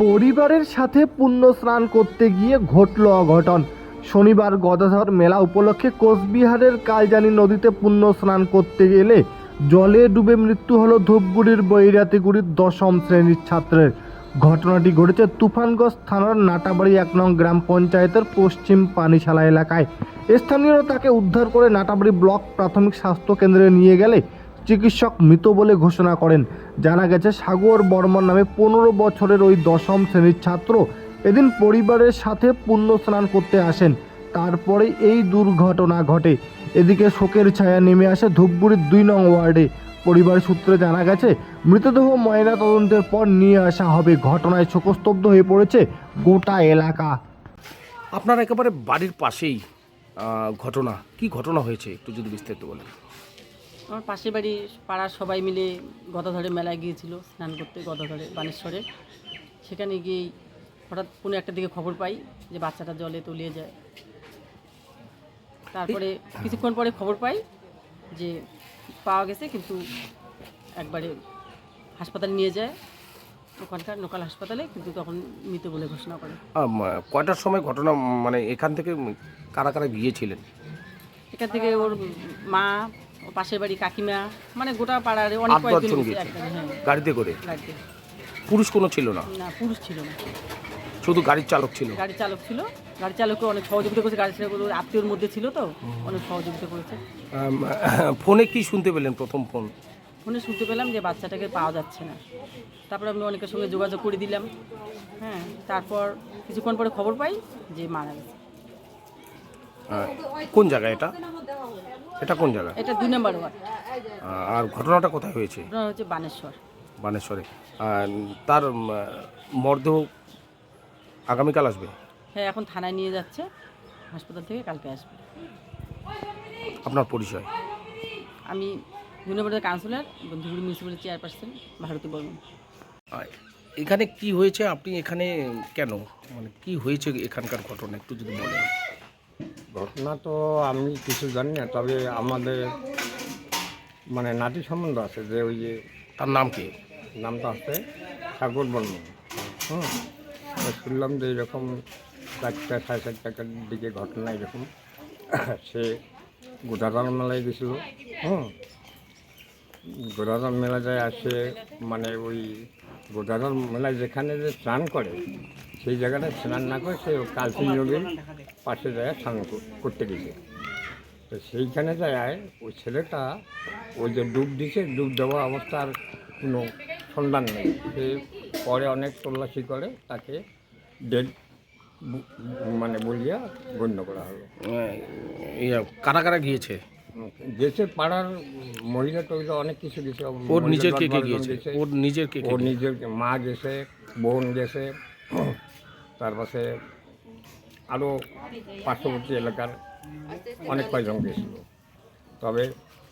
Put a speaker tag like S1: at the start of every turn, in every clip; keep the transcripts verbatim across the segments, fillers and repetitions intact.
S1: পরিবারের সাথে পুণ্য স্নান করতে গিয়ে ঘটল অঘটন। শনিবার গদাধর মেলা উপলক্ষে কোচবিহারের কালজানি নদীতে পুণ্য স্নান করতে গেলে জলে ডুবে মৃত্যু হলো ধূপগুড়ির বৈরাতিগুড়ির দশম শ্রেণীর ছাত্রের। ঘটনাটি ঘটেছে তুফানগঞ্জ থানার নাটাবাড়ি এক নং গ্রাম পঞ্চায়েতের পশ্চিম পানিশালা এলাকায়। স্থানীয়রা তাকে উদ্ধার করে নাটাবাড়ি ব্লক প্রাথমিক স্বাস্থ্য কেন্দ্রে নিয়ে গেলে চিকিৎসক মৃত বলে ঘোষণা করেন। জানা গেছে সাগর বর্মন নামে পনেরো বছরের ওই দশম শ্রেণীর ছাত্র এদিন পরিবারের সাথে পুণ্য স্নান করতে আসেন, তারপরে এই দুর্ঘটনা ঘটে। এদিকে শোকের ছায়া নেমে আসে ধূপগুড়ির দুই নং ওয়ার্ডে। পরিবার সূত্রে জানা গেছে মৃতদেহ ময়না তদন্তের পর নিয়ে আসা হবে। ঘটনায় শোকস্তব্ধ হয়ে পড়েছে গোটা এলাকা।
S2: আপনার একেবারে বাড়ির পাশেই আহ, ঘটনা কি ঘটনা হয়েছে একটু যদি বিস্তারিত বলেন।
S3: আমার পাশের বাড়ি পাড়ার সবাই মিলে গদাধরে মেলায় গিয়েছিল স্নান করতে, গদাধরে বানেশ্বরে। সেখানে গিয়েই হঠাৎ কোনো একটা দিকে খবর পাই যে বাচ্চাটা জলে তলিয়ে যায়। তারপরে কিছুক্ষণ পরে খবর পাই যে পাওয়া গেছে, কিন্তু একবারে হাসপাতালে নিয়ে যায়, ওখানকার লোকাল হাসপাতালে, কিন্তু তখন মৃত বলে ঘোষণা করে।
S2: আহ, ম- কয়টার সময় ঘটনা, মানে এখান থেকে কারা কারা গিয়েছিলেন?
S3: এখান থেকে ওর মা, ও পাশের বাড়ি কাকিমা, মানে গোটা পাড়ার অনেক
S2: আট
S3: কয়েকজন
S2: দশজন
S3: গেছে
S2: গিয়েছে
S3: একবারে। হ্যাঁ,
S2: গাড়িতে করে?
S3: গাড়িতে।
S2: পুরুষ কোনো ছিল না,
S3: না, পুরুষ ছিল না,
S2: শুধু গাড়ির চালক ছিল।
S3: গাড়ি চালক ছিল। গাড়ি চালককে অনেক সহযোগিতা করেছে, গাড়ি চালক আত্মীয়র মধ্যে ছিল তো, অনেক সহযোগিতা করেছে।
S2: আম, ফোনে কি শুনতে পেলেন প্রথম ফোন?
S3: ফোনে শুনতে পেলাম যে বাচ্চাটাকে পাওয়া যাচ্ছে না। তারপর আমি অনেকের সঙ্গে যোগাযোগ করে দিলাম। হ্যাঁ, তারপর কিছুক্ষণ পরে খবর পাই যে মারা গেছে।
S2: আহ, কোন জায়গা এটা? এটা কোন জায়গা?
S3: এটা দুই নম্বর ওয়ার্ড।
S2: আহ, আর ঘটনাটা কোথায় হয়েছে?
S3: ঘটনা হচ্ছে বানেশ্বর।
S2: বানেশ্বরে। আর তার উম, মরদেহ আগামীকাল আসবে?
S3: হ্যাঁ, এখন থানায় নিয়ে যাচ্ছে, হাসপাতাল থেকে কালকে আসবে।
S2: আপনার পরিচয়?
S3: আমি দুই নম্বরের councillor, Dhubri municipality chairperson Bharati Barman.
S2: আর এখানে কি হয়েছে, আপনি এখানে কেন, মানে কি হয়েছে এখানকার ঘটনা একটু যদি বলেন।
S4: ঘটনা তো আমি কিছু জানি না, তবে আমাদের মানে নাতি সম্বন্ধ আছে যে ওই যে
S2: তার নাম কি?
S4: নামটা আছে সাগর বর্মন। হুম, তো শুনলাম যে এরকম চারটা সাড়ে চারটার দিকে ঘটনা এরকম। সে গোদাধর মেলায় গেছিল। হুম, গোদাধর মেলা যায় আসে, মানে ওই গোদাধর মেলায় যেখানে যে স্নান করে সেই জায়গাটায় স্নান না করে সে কালচি নদীর পাশে যায় স্নান কর- করতে গেছে। তো সেইখানে যায় ওই ছেলেটা ওই যে ডুব দিছে, ডুব দেওয়া অবস্থার কোনো সন্ধান নেই। সে পরে অনেক তল্লাশি করে তাকে ডেড মানে বলিয়া গণ্য করা হলো।
S2: আহ, ইয়া, কারা কারা গিয়েছে?
S4: গেছে পাড়ার মহিলা টহিলা অনেক কিছু গেছে।
S2: ওর
S4: মহিলা
S2: নিজের কে
S4: দশ
S2: কে
S4: বারো জন
S2: গিয়েছে?
S4: গেছে।
S2: ওর নিজের কে কে
S4: ওর
S2: গিয়েছে?
S4: নিজের মা গেছে, বোন গেছে, তারপরে আরও পার্শ্ববর্তী এলাকার অনেক কয়জন গেছিল। তবে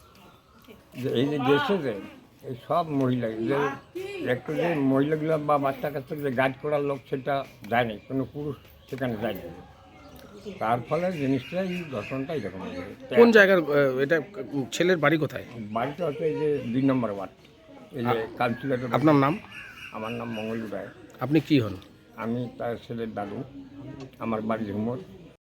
S4: যে এই যে গেছে যে এই সব মহিলা যে একটু যে মহিলাগুলো বা বাচ্চা কাচ্চা যে গাইড করার লোক সেটা যায়নি, কোনো পুরুষ সেখানে যায়নি। তার ফলে জিনিসটা এই ঘটনাটা এরকম হয়েছে।
S2: কোন জায়গার আহ, এটা? ছেলের বাড়ি কোথায়?
S4: বাড়িটা হচ্ছে এই যে দুই নম্বর ওয়ার্ড, এই যে কাউন্সিলর।
S2: আপনার নাম?
S4: আমার নাম মঙ্গল রায়।
S2: আপনি কি হন?
S4: আমি তার ছেলের দাদু। আমার বাড়ি ঝুমর।